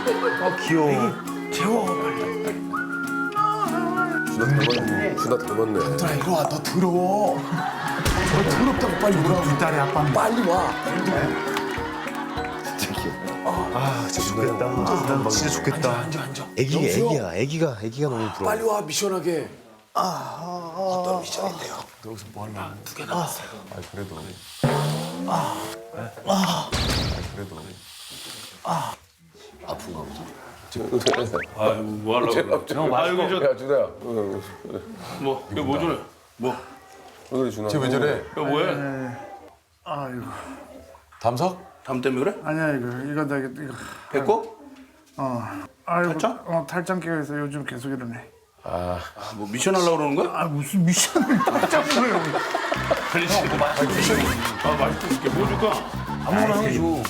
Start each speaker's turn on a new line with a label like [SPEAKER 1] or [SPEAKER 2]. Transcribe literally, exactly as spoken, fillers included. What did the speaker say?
[SPEAKER 1] 아 귀여워.
[SPEAKER 2] 재워 빨리.
[SPEAKER 3] 준아 닮았네. 준아 닮았네.
[SPEAKER 2] 얘들아 이리 와. 너 더러워. 너 더럽다고 빨리 오라고.
[SPEAKER 1] 이 딸의 아빠.
[SPEAKER 2] 빨리 와.
[SPEAKER 3] 진짜 귀엽다.
[SPEAKER 1] 아 진짜 좋겠다. 난 진짜 좋겠다.
[SPEAKER 2] 앉아 앉아.
[SPEAKER 3] 애기가
[SPEAKER 2] 영수야.
[SPEAKER 3] 애기야. 애기가 애기가 너무 부러워.
[SPEAKER 2] 빨리 와 미션하게. 어떤 미션인데요? 여기서 뭐 하려고? 두 개 남았어요.
[SPEAKER 3] 아 그래도. 그래도. 아픈가 보다.
[SPEAKER 4] 아이고 뭐 하려고 그래. 아이고 저
[SPEAKER 3] 야 준아야.
[SPEAKER 4] 뭐 이거 뭐 저래? 뭐
[SPEAKER 3] 왜 그래 준아?
[SPEAKER 5] 쟤왜 저래?
[SPEAKER 4] 이거 뭐해?
[SPEAKER 6] 아이고
[SPEAKER 5] 담석?
[SPEAKER 4] 담 때문에 그래?
[SPEAKER 6] 아니야 이거 이거 나 이거 이거
[SPEAKER 4] 됐고?
[SPEAKER 6] 어 아이고
[SPEAKER 4] 탈장?
[SPEAKER 6] 어 탈장 깨서 요즘 계속 이러네.
[SPEAKER 3] 아
[SPEAKER 4] 아, 뭐 미션 하려고 그러는 거야?
[SPEAKER 6] 아 무슨 미션을 탈장을 해요.
[SPEAKER 4] 아니 지금 미션 아 맛있게 줄게 뭐 줄까?
[SPEAKER 2] 아무거나 해줘.